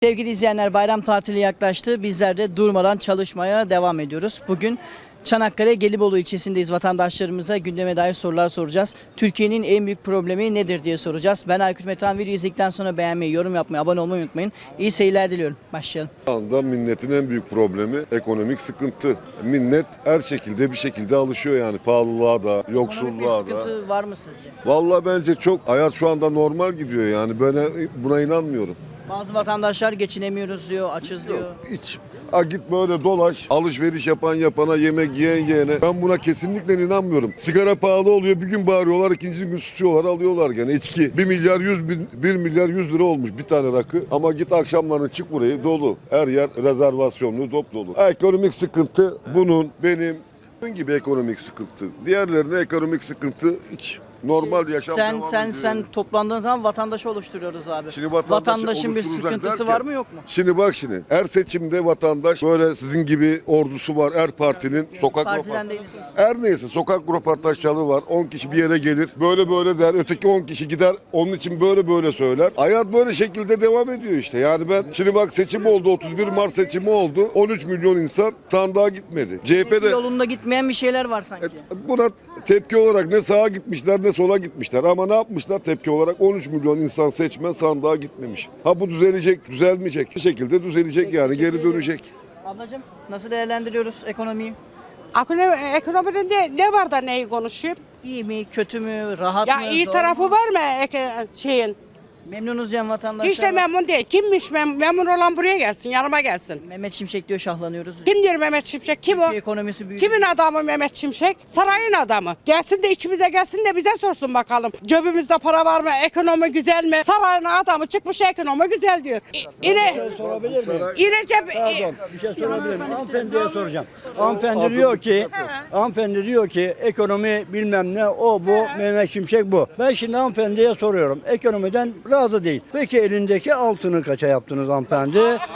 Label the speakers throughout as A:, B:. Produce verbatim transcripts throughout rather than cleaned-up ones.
A: Sevgili izleyenler, bayram tatili yaklaştı. Bizler de durmadan çalışmaya devam ediyoruz. Bugün Çanakkale Gelibolu ilçesindeyiz. Vatandaşlarımıza gündeme dair sorular soracağız. Türkiye'nin en büyük problemi nedir diye soracağız. Ben Aykut Metehan. Video izledikten sonra beğenmeyi, yorum yapmayı, abone olmayı unutmayın. İyi seyirler diliyorum. Başlayalım.
B: Şu anda milletin en büyük problemi ekonomik sıkıntı. Millet her şekilde bir şekilde alışıyor yani pahalılığa da,
A: Ekonomik bir
B: yoksulluğa da.
A: sıkıntı var mı sizce?
B: Vallahi bence çok hayat şu anda normal gidiyor yani ben buna inanmıyorum.
A: Bazı vatandaşlar geçinemiyoruz diyor, açız diyor.
B: Hiç. Ha git böyle dolaş, alışveriş yapan yapana, yemek yiyen yiyene. Ben buna kesinlikle inanmıyorum. Sigara pahalı oluyor, bir gün bağırıyorlar, ikinci gün susuyorlar, alıyorlar gene. İçki bir milyar yüz bin, bir milyar yüz lira olmuş bir tane rakı. Ama git akşamları çık burayı dolu. Her yer rezervasyonlu, dop dolu. Ha, ekonomik sıkıntı bunun, benim, bunun gibi ekonomik sıkıntı. Diğerlerine ekonomik sıkıntı hiç. Normal yaşam
A: Sen
B: devam
A: sen
B: ediyor.
A: sen toplandığın zaman vatandaşı oluşturuyoruz abi.
B: Şimdi vatandaşı
A: Vatandaşın bir
B: oluşturacak
A: sıkıntısı
B: derken,
A: var mı yok mu?
B: Şimdi bak şimdi her seçimde vatandaş böyle sizin gibi ordusu var her partinin sokak
A: Partiden
B: röportaj-
A: değiliz.
B: her neyse sokak röportajları var. on kişi bir yere gelir. Böyle böyle der. Öteki on kişi gider. Onun için böyle böyle söyler. Hayat böyle şekilde devam ediyor işte. Yani ben şimdi bak seçim oldu. otuz bir Mart seçimi oldu. on üç milyon insan sandığa gitmedi. C H P'de
A: Yolunda gitmeyen bir şeyler var sanki.
B: buna tepki olarak ne sağa gitmişler ne sola gitmişler. Ama ne yapmışlar tepki olarak? on üç milyon insan seçmen sandığa gitmemiş. Ha bu düzelecek, düzelmeyecek. Bir şekilde düzelecek yani geri dönecek.
A: Ablacığım nasıl değerlendiriyoruz ekonomiyi?
C: Ekonomi, ekonominin ne, ne var da neyi konuşayım?
A: İyi mi, kötü mü, rahat
C: Ya
A: mı,
C: iyi
A: zor
C: tarafı
A: mu?
C: var mı eke- şeyin?
A: Memnunuz diyen vatandaşlar
C: Hiç de
A: var.
C: memnun değil. Kimmiş mem memnun olan buraya gelsin, yanıma gelsin.
A: Mehmet Şimşek diyor şahlanıyoruz.
C: Kim diyor Mehmet Şimşek? Kim o?
A: Türkiye ekonomisi büyüdü.
C: Kimin adamı Mehmet Şimşek? Sarayın adamı. Gelsin de içimize gelsin de bize sorsun bakalım. Cebimizde para var mı? Ekonomi güzel mi? Sarayın adamı çıkmış ekonomi güzel diyor. İ- İre,
D: Sorabilir miyim?
C: İrecep,
D: Pardon, bir şey sorabilir miyim? Hanımefendiye soracağım. Hanımefendi diyor ki, hanımefendi diyor ki ekonomi bilmem ne, o bu, Mehmet Şimşek bu. Ben şimdi hanımefendiye soruyorum. Ekonomiden razı değil. Peki elindeki altını kaça yaptınız hanımefendi?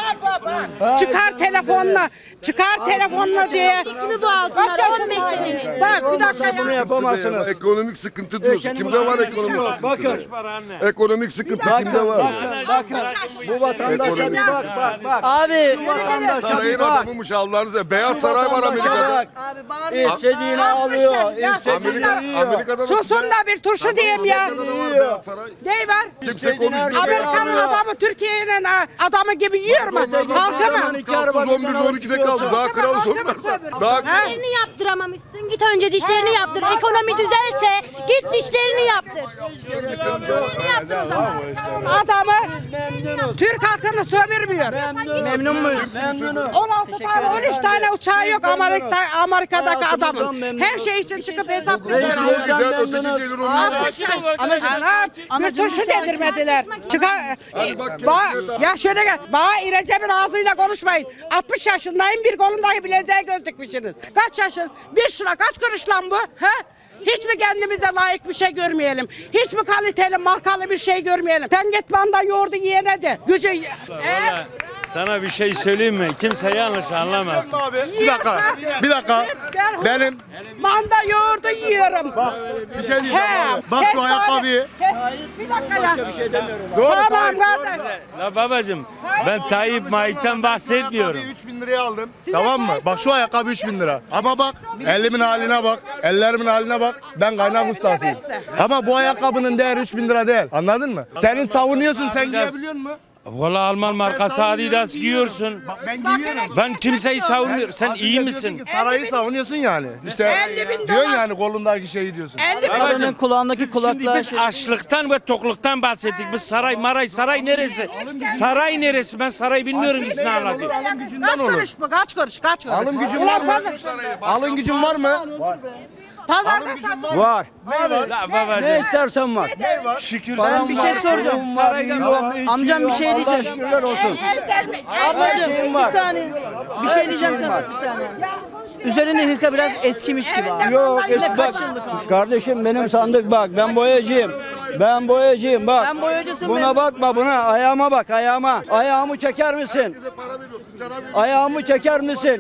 C: çıkar telefonla, çıkar telefonla diye.
E: Kimi bu altınlar? on beş senenin.
C: Bak bir dakika
D: Olmasa bunu
C: ya.
D: yapamazsınız.
B: Ekonomik sıkıntı diyorsun.
D: Ekonomik
B: Kimde var
D: sıkıntı
B: ekonomik
D: yok.
B: sıkıntı?
D: Bakın.
B: Ekonomik sıkıntı kimde var?
D: Bakın, bakın. Bu vatandaşa bir bak, bak, bak.
A: Abi,
D: Bu vatandaşa
B: Sarayın
D: bir bak.
B: adamıymış Allah'ınıza. Beyaz Saray var Amerika'da.
A: abi bağırma.
D: İstediğini alıyor,
B: Amerika,
D: istediğini yiyor.
B: Amerika'da da
C: Susun da bir turşu diyeyim ya.
B: Amerika'da da var Beyaz Saray.
C: Ne var?
B: Kimse konuşmuyor.
C: Amerika'nın adamı Türkiye'nin adamı gibi yiyor mu? Halkı mı?
B: on birde on ikide kaldı. Daha kral sonlar. Daha
E: Dişlerini yaptıramamışsın. Git önce dişlerini yaptır. Ekonomi düzelse git dişlerini yaptır. Dişlerini yaptır o zaman.
C: Adamı
D: Memnunuz.
C: Türk halkını sömürmüyor.
A: Memnun muyuz?
D: Memnunuz.
C: on altı tane on üç tane uçağı yok Amerika, Amerika'daki
D: Hayatımızdan
C: adamın.
D: memnunuz.
C: Her şey için çıkıp hesap
D: Reis
C: veriyor.
B: o güzel,
D: memnunuz.
B: öteki gelir onu.
C: Anam bir
A: Anacığım,
C: turşu
A: müsaade.
C: dedirmediler. Çıkar.
B: Hadi bak,
C: Ba
B: kendisine
C: ya şöyle gel. Bana İrecep'in ağzıyla konuşmayın. altmış yaşındayım, bir kolumdaki bileziğe göz dikmişsiniz. Kaç yaşın? Bir şuna kaç kuruş lan bu? He? Hiç mi kendimize layık bir şey görmeyelim? Hiç mi kaliteli, markalı bir şey görmeyelim? Sen git manda yoğurdu yiyene de. Gücü... Eğer...
F: Sana bir şey söyleyeyim mi? Kimse yanlış anlamaz.
G: Bir dakika, bir dakika. Benim
C: Manda yoğurdu yiyorum.
G: bak bir şey diyeceğim
C: He.
G: abi. Bak
C: Kes
G: şu ayakkabıyı.
C: Kes. Bir dakika ya.
G: Doğru
C: Tamam
G: Tayyip.
C: kardeş.
F: La babacım ben Tayyip Maik'ten bahsetmiyorum.
G: Ayakkabıyı üç bin liraya aldım. Tamam mı? Bak şu ayakkabı üç bin lira. Ama bak elimin haline bak. Ellerimin haline bak. Ben kaynak ustasıyım. Ama bu ayakkabının değeri üç bin lira değil. Anladın mı? Senin savunuyorsun, sen giyebiliyor musun?
F: Valla Alman markası Adidas giyiyorsun.
G: Bak ben giyiyorum.
F: Ben kimseyi savunmuyorum. Sen
G: Az
F: iyi
G: önce diyorsun
F: misin?
G: ki Sarayı savunuyorsun yani. İşte
C: elli bin
G: diyorsun
C: dolar.
G: yani kolundaki şeyi diyorsun.
C: elli bin
A: Kadının kulağındaki
F: Siz şimdi
A: kulaklığa
F: biz
A: şey...
F: açlıktan ve tokluktan bahsettik. Biz saray maray saray neresi? Saray neresi? Ben saray bilmiyorum ki ne anlatıyor.
G: Alım gücünden
C: Kaç
G: olur.
C: kuruş bu? Kaç kuruş? Kaç kuruş?
G: Alım gücün var mı? Alım gücün var mı?
C: Pazarda satın.
D: Var.
F: La
D: Ne
F: babacım
D: istersen var.
F: şükür
A: Ben
F: sen
A: bir şey soracağım.
D: Param var, yiyorum,
A: Amcam bir şey
D: içiyorum. Allah
A: diyeceğim.
D: şükürler olsun.
A: Ablacığım
D: şeyim
A: bir
D: var.
A: saniye. Bir şey diyeceğim sana bir saniye. Üzerinde hırka biraz eskimiş gibi abi.
D: Yok,
A: Yine
D: eski
A: kaç
D: bak.
A: yıllık abi?
D: Kardeşim benim sandık bak. Ben boyacıyım. Ben boyacıyım bak.
A: Sen boyacısın
D: Buna
A: ben-
D: bakma buna. Ayağıma bak ayağıma. Ayağımı çeker misin? Ayağımı çeker misin?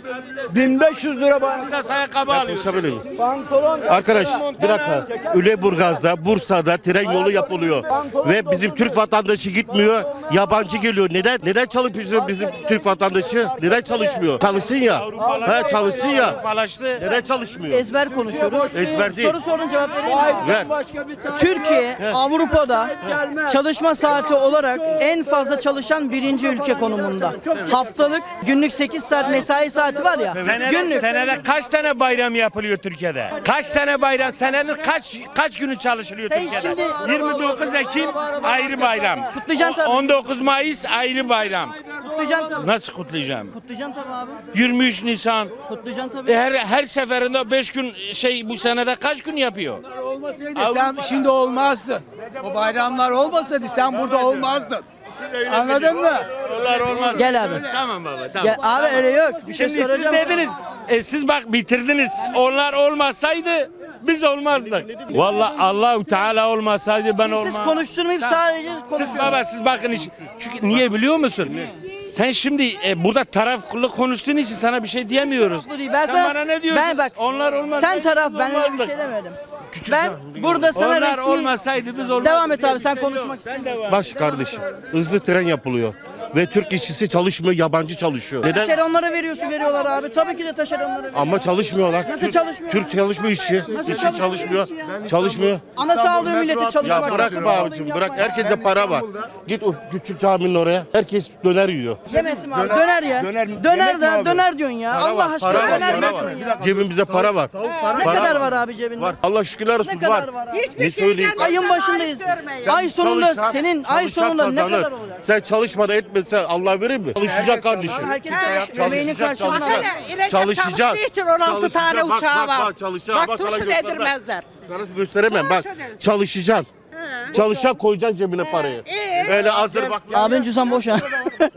D: bin beş yüz lira bayram.
F: Biraz ayakkabı alıyor.
H: Konuşabilirim.
D: Pantolon.
H: Arkadaş bir dakika. Üleburgaz'da, Bursa'da tren yolu yapılıyor. Ve bizim Türk vatandaşı gitmiyor. Yabancı geliyor. Neden? Neden çalışmıyor bizim Türk vatandaşı? Neden çalışmıyor? Çalışsın ya. Ha çalışsın ya.
F: Avrupalaştı.
H: Neden çalışmıyor?
A: Ezber konuşuyoruz.
H: Ezber değil.
A: Soru sorun cevap vereyim mi?
H: Ver.
D: Başka bir tane
A: Türkiye Avrupa'da çalışma saati olarak en fazla çalışan birinci ülke konumunda. Haftalık günlük sekiz saat mesai saati var ya.
F: Senede,
A: Günlük.
F: senede kaç tane bayram yapılıyor Türkiye'de? Kaç tane bayram? Senenin kaç kaç günü çalışılıyor
A: Sen
F: Türkiye'de?
A: şimdi-
F: yirmi dokuz Ekim ayrı bayram.
A: Kutlayacaksın tabii.
F: on dokuz Mayıs ayrı bayram.
A: Kutlayacaksın tabii.
F: Nasıl kutlayacağım?
A: Kutlayacaksın tabii abi.
F: yirmi üç Nisan.
A: Kutlayacaksın tabii.
F: E her her seferinde beş gün şey bu senede kaç gün yapıyor?
I: Olmasaydı sen şimdi olmazdın. O bayramlar olmasaydı sen burada olmazdın. Anladın mı?
F: Onlar olmaz.
A: Gel abi.
F: Tamam baba tamam.
A: Gel abi öyle yok. Bir şey
F: Şimdi siz
A: soracağım.
F: dediniz. E siz bak bitirdiniz. Onlar olmasaydı biz olmazdık. Vallahi Allahu Teala olmasaydı ben olmam.
A: Siz konuşturmayıp sadece
F: Siz
A: konuşuyorsunuz.
F: baba siz bakın iş. Çünkü niye biliyor musun? Sen şimdi e, burada taraflı konuştuğun için sana bir şey diyemiyoruz.
A: Ben
F: Sen
A: sana,
F: bana ne diyorsun?
A: Ben bak.
F: Onlar olmaz.
A: Sen taraf
F: biz
A: ben öyle bir
F: olmazdık.
A: şey demedim. Ben burada sana
F: Onlar
A: resmi...
F: olmasaydı biz olmazdık.
A: Devam et
F: diye
A: abi
F: bir
A: sen
F: şey
A: konuşmak
F: yok. Sen
A: istemiyorsun.
F: de var.
H: Baş kardeşim. Hızlı tren yapılıyor. Ve Türk işçisi çalışmıyor, yabancı çalışıyor. Neden?
A: Taşeronlara veriyorsun veriyorlar abi. Tabii ki de taşeronlara veriyorsun.
H: Ama çalışmıyorlar.
A: Nasıl
H: Türk-
A: çalışmıyor?
H: Türk çalışmıyor işçi.
A: Nasıl
H: İşçi
A: çalışmıyor
H: çalışmıyor.
A: işçi
H: Çalışmıyor.
A: Ana sağlıyor milleti çalışmak.
H: Ya bırak be abicim bırak. Herkese para var. Git o küçük caminin oraya. Herkes döner yiyor.
A: Yemesin abi. Döner ya.
D: döner-
A: Döner
D: yemek mi
A: de
D: abi?
A: döner diyorsun ya.
H: Para
A: Allah
H: var,
A: aşkına
H: para var,
A: döner
H: para
A: yiyorsun
H: var.
A: ya.
H: Cebimizde para var.
A: Ne
H: Para
A: kadar
H: var.
A: var abi cebinde?
H: Var. Allah şükürler olsun
A: Ne kadar
H: var.
A: var abi?
C: Hiçbir
H: Ne
C: şeyden
H: söyleyeyim?
A: Ayın başındayız. Ay sonunda
H: Çalışan-
A: senin ay
H: çalışan
A: sonunda ne
H: kazanır.
A: kadar olacak?
H: Sen çalışmadan etmesen Allah verir mi? Çalışacak kardeşim.
A: Herkes çalışıyor. Emeğinin
H: Çalışacak,
A: karşılığını
H: çalışacak.
A: alıyor.
C: Hele İrecep
H: Çalışacak.
C: çalıştığı için on altı tane
H: Çalışacak. Bak,
C: uçağı
H: bak,
C: var.
H: bak, çalışacak.
C: Bak
H: Bak, sana
C: turşu
H: göstermem.
C: dedirmezler.
H: Sana gösteremem bak.
C: Şöyle.
H: Çalışacaksın. Çalışacaksın koyacaksın cebine parayı.
C: iyi.
H: Öyle hazır bak.
A: Abinin cüzdan boş ha.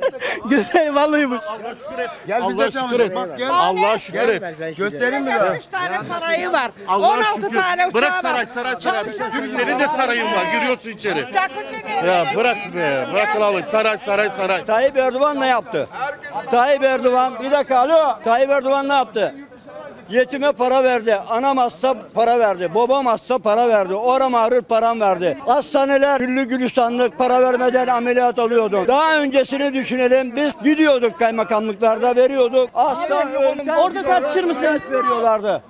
A: Güzel vallahi boş.
H: Allah şükür et.
I: Gel bize
H: Allah şükür
I: çalışın.
H: et.
I: Bak gel.
H: Allah'a şükür et.
I: Göstereyim mi?
C: Üç tane sarayı var. on
H: Allah'a
C: altı
H: şükür.
C: tane uçağı
H: Bırak
C: var.
H: saray saray saray.
C: Çalışacak.
H: Senin de sarayın var. Giriyorsun içeri.
C: Jacuzzi
H: Ya bırak be. Bırakın alın. Saray saray saray.
D: Tayyip Erdoğan ne yaptı? Tayyip Erdoğan bir dakika alo. Tayyip Erdoğan ne yaptı? Yetime para verdi. Anam hasta para verdi. Babam hasta para verdi. Oram ağrır param verdi. Hastaneler güllü gülistanlık para vermeden ameliyat oluyorduk. Daha öncesini düşünelim. Biz gidiyorduk kaymakamlıklarda veriyorduk. Hasta ölümden
A: Orada tartışır mısın?
D: ilaç veriyorlardı.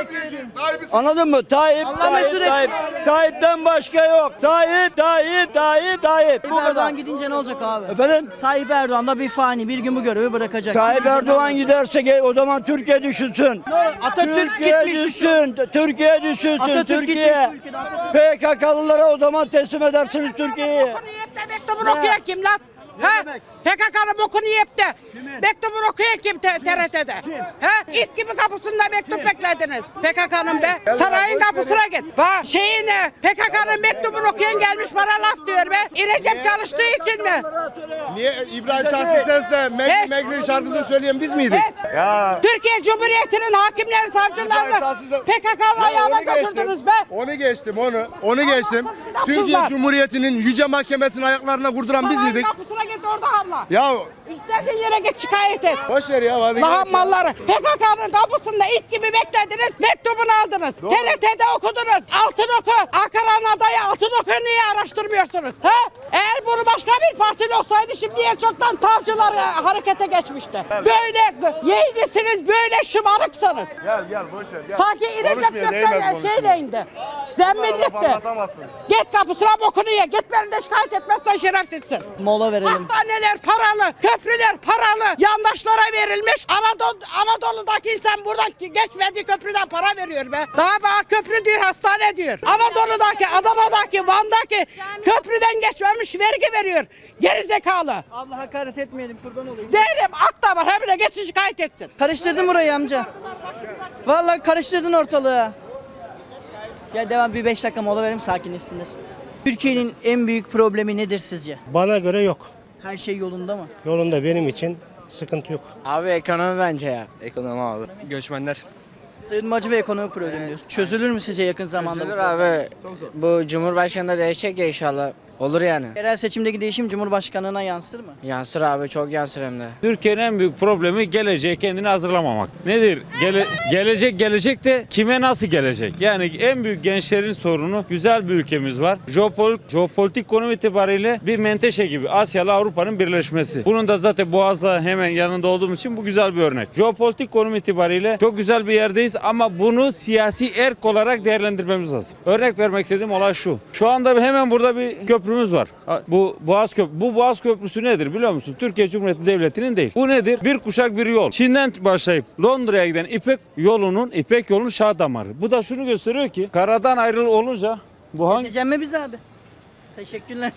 D: Anladın mı? Tayyip,
A: Allah
D: Tayyip,
A: mesut etsin.
D: Tayyip. Tayyip'ten başka yok. Tayyip, Tayyip, Tayyip, Tayyip. Bu
A: Tayyip Erdoğan
D: kadar.
A: gidince ne olacak abi?
D: Efendim?
A: Tayyip Erdoğan da bir fani bir gün bu görevi bırakacak.
D: Tayyip
A: Gidince ne
D: Erdoğan
A: olacak?
D: giderse ge- o zaman Türkiye düşünsün.
A: Atatürk
D: Türkiye
A: gitmiş.
D: düşsün. Türkiye düşünsün.
A: Atatürk
D: Türkiye.
A: gitmiş ülkeden, Atatürk.
D: P K K'lılara o zaman teslim edersiniz Türkiye'yi.
C: Bokunu yiyip de mektubunu okuyan kim lan? Ha? P K K'nın bokunu yiyip de mektubunu okuyan kim T R T'de? Ha? İt gibi kapısında mektup beklediniz. P K K'nın be. Sarayın kapısına git. Bak şeyini P K K'nın mektubunu okuyan gelmiş bana laf diyor be. İrecep çalıştığı için mi?
G: Niye İbrahim Tatlıses'le
C: Hiç.
G: Megri Megri şarkısını söyleyen biz miydik?
C: Evet.
G: Ya.
C: Türkiye Cumhuriyeti'nin hakimleri, savcılarını P K K'nın ayağına götürdünüz be.
G: Onu geçtim onu. Onu geçtim.
C: Kitapsızlar.
G: Türkiye Cumhuriyeti'nin yüce mahkemesinin ayaklarına kurduran biz
C: Sarayın
G: miydik?
C: kapısına git orada hamla.
G: Ya
C: İstediğin yere git şikayet et.
G: boş ver ya hadi.
C: Lahan
G: gel.
C: malları. P K K'nın kapısında it gibi beklediniz. Mektubunu aldınız. T R T'de okudunuz. Altın oku. Ankara'nın adayı altın oku niye araştırmıyorsunuz? Ha? Eğer bunu başka bir partili olsaydı şimdiye çoktan tavcılar e, harekete geçmişti. Böyle yeğlisiniz, böyle şımarıksınız.
G: Gel gel boş ver. Gel.
C: Sanki İrecep
G: Konuşmuyor, değmez
C: Gökmen
G: konuşmaya.
C: şeyle indi. Zemmillikti.
G: Anlatamazsın.
C: Git kapısına bokunu ye. Git beni de şikayet etmezsen şerefsizsin.
A: Mola verelim.
C: Hastaneler paralı, köprüler paralı, yandaşlara verilmiş. Anadolu, Anadolu'daki insan buradan geçmediği köprüden para veriyor be. Daha bana köprü diyor, hastane diyor. Anadolu'daki, Adana'daki, Van'daki köprüden geçmemiş vergi veriyor. Geri zekalı.
A: Allah hakaret etmeyelim kurban olayım.
C: Değilim, ak da var, hem de geçin şikayet etsin.
A: Karıştırdın burayı amca. Vallahi karıştırdın ortalığı. Gel devam bir beş dakika mola verelim sakinleşsinler. Türkiye'nin en büyük problemi nedir sizce?
J: Bana göre yok.
A: Her şey yolunda mı?
J: Yolunda benim için sıkıntı yok.
K: Abi ekonomi bence ya.
L: Ekonomi abi.
K: Göçmenler.
A: Sığınmacı ve ekonomik problem diyoruz. Çözülür mü sizce yakın zamanda?
K: Üzülür
A: bu?
K: abi. Bu Cumhurbaşkanı da değişecek ya inşallah. Olur yani.
A: Yerel seçimdeki değişim Cumhurbaşkanlığına yansır mı?
K: Yansır abi, çok yansır hem de.
L: Türkiye'nin en büyük problemi geleceğe kendini hazırlamamak. Nedir? Gele- gelecek gelecek de kime nasıl gelecek? Yani en büyük gençlerin sorunu, güzel bir ülkemiz var. Jeopol jeopolitik konum itibariyle bir menteşe gibi Asya ile Avrupa'nın birleşmesi. Bunun da zaten Boğaz'la hemen yanında olduğumuz için bu güzel bir örnek. Jeopolitik konum itibariyle çok güzel bir yerdeyiz ama bunu siyasi erk olarak değerlendirmemiz lazım. Örnek vermek istediğim olay şu. Şu anda hemen burada bir köprümüz var. Bu Boğaz Köprü. Bu Boğaz Köprüsü nedir biliyor musun? Türkiye Cumhuriyeti Devleti'nin değil. Bu nedir? Bir kuşak bir yol. Çin'den başlayıp Londra'ya giden İpek yolunun, İpek yolunun şah damarı. Bu da şunu gösteriyor ki karadan ayrılı olunca bu hangi...
A: Geçeceğim mi biz abi? Teşekkürler.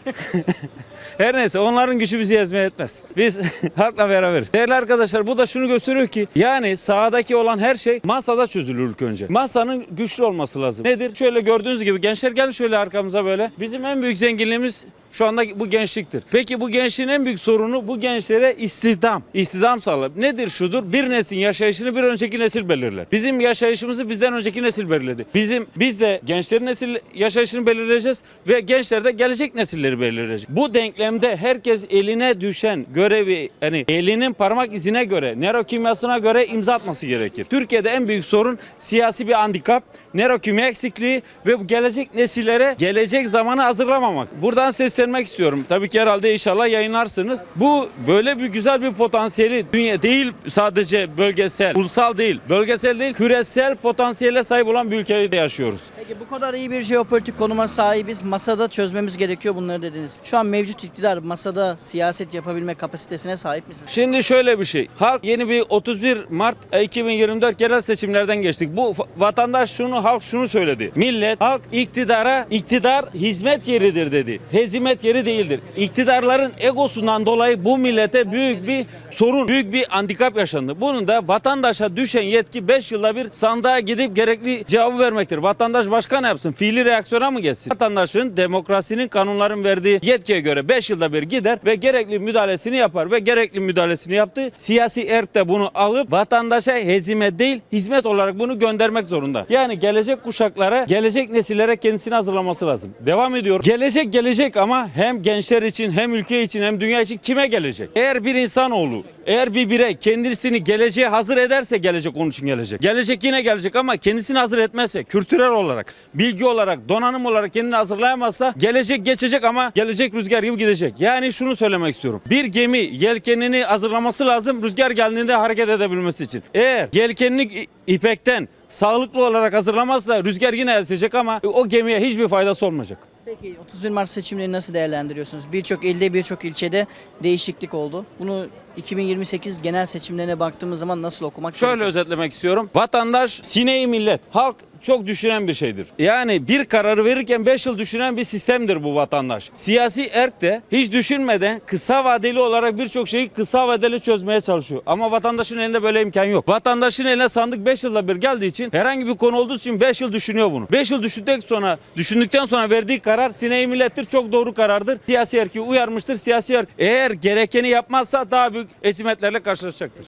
L: Her neyse onların gücü bizi ezmeye etmez. Biz halkla beraberiz. Değerli arkadaşlar bu da şunu gösteriyor ki yani sahadaki olan her şey masada çözülür ilk önce. Masanın güçlü olması lazım. Nedir? Şöyle gördüğünüz gibi gençler gelin şöyle arkamıza böyle. Bizim en büyük zenginliğimiz şu anda bu gençliktir. Peki bu gençliğin en büyük sorunu bu gençlere istihdam. İstihdam sağlayıp nedir şudur? Bir neslin yaşayışını bir önceki nesil belirler. Bizim yaşayışımızı bizden önceki nesil belirledi. Bizim biz de gençlerin nesil yaşayışını belirleyeceğiz ve gençler de gelecek nesilleri belirleyecek. Bu denklemde herkes eline düşen görevi yani elinin parmak izine göre, nörokimyasına göre imza atması gerekir. Türkiye'de en büyük sorun siyasi bir handikap, nörokimya eksikliği ve bu gelecek nesillere gelecek zamanı hazırlamamak. Buradan seslenmek istiyorum. Tabii ki herhalde inşallah yayınlarsınız. Bu böyle bir güzel bir potansiyeli dünya değil sadece bölgesel, ulusal değil, bölgesel değil, küresel potansiyele sahip olan bir ülkede yaşıyoruz.
A: Peki bu kadar iyi bir jeopolitik konuma sahibiz. Masada çözmemiz gerekiyor bunları dediniz. Şu an mevcut iktidar masada siyaset yapabilme kapasitesine sahip misiniz?
L: Şimdi şöyle bir şey. Halk yeni bir otuz bir Mart iki bin yirmi dört yerel seçimlerden geçtik. Bu vatandaş şunu, halk şunu söyledi. Millet, halk iktidara, iktidar hizmet yeridir dedi. Hezimet yeri değildir. İktidarların egosundan dolayı bu millete büyük bir sorun, büyük bir handikap yaşandı. Bunun da vatandaşa düşen yetki beş yılda bir sandığa gidip gerekli cevabı vermektir. Vatandaş başka ne yapsın? Fiili reaksiyona mı geçsin? Vatandaşın demokrasinin, kanunların verdiği yetkiye göre beş yılda bir gider ve gerekli müdahalesini yapar ve gerekli müdahalesini yaptı. Siyasi erk de bunu alıp vatandaşa hezime değil hizmet olarak bunu göndermek zorunda. Yani gelecek kuşaklara, gelecek nesillere kendisini hazırlaması lazım. Devam ediyor. Gelecek gelecek ama hem gençler için hem ülke için hem dünya için kime gelecek? Eğer bir insanoğlu, eğer bir birey kendisini geleceğe hazır ederse gelecek onun için gelecek. Gelecek yine gelecek ama kendisini hazır etmezse, kültürel olarak, bilgi olarak, donanım olarak kendini hazırlayamazsa gelecek geçecek ama gelecek rüzgar gibi gidecek. Yani şunu söylemek istiyorum. Bir gemi yelkenini hazırlaması lazım rüzgar geldiğinde hareket edebilmesi için. Eğer yelkenini ipekten sağlıklı olarak hazırlamazsa rüzgar yine esecek ama o gemiye hiçbir faydası olmayacak.
A: Peki otuz bir Mart seçimlerini nasıl değerlendiriyorsunuz? Birçok ilde, birçok ilçede değişiklik oldu. Bunu iki bin yirmi sekiz genel seçimlerine baktığımız zaman nasıl okumak
L: Şöyle
A: gerekiyor?
L: özetlemek istiyorum. Vatandaş, sineği millet, halk çok düşünen bir şeydir. Yani bir kararı verirken beş yıl düşünen bir sistemdir bu vatandaş. Siyasi erk de hiç düşünmeden kısa vadeli olarak birçok şeyi kısa vadeli çözmeye çalışıyor. Ama vatandaşın elinde böyle imkan yok. Vatandaşın eline sandık beş yılda bir geldiği için herhangi bir konu olduğu için beş yıl düşünüyor bunu. beş yıl düşündükten sonra düşündükten sonra verdiği karar sineği millettir. Çok doğru karardır. Siyasi erki uyarmıştır. Siyasi erk eğer gerekeni yapmazsa daha büyük ezimetlerle karşılaşacaktır.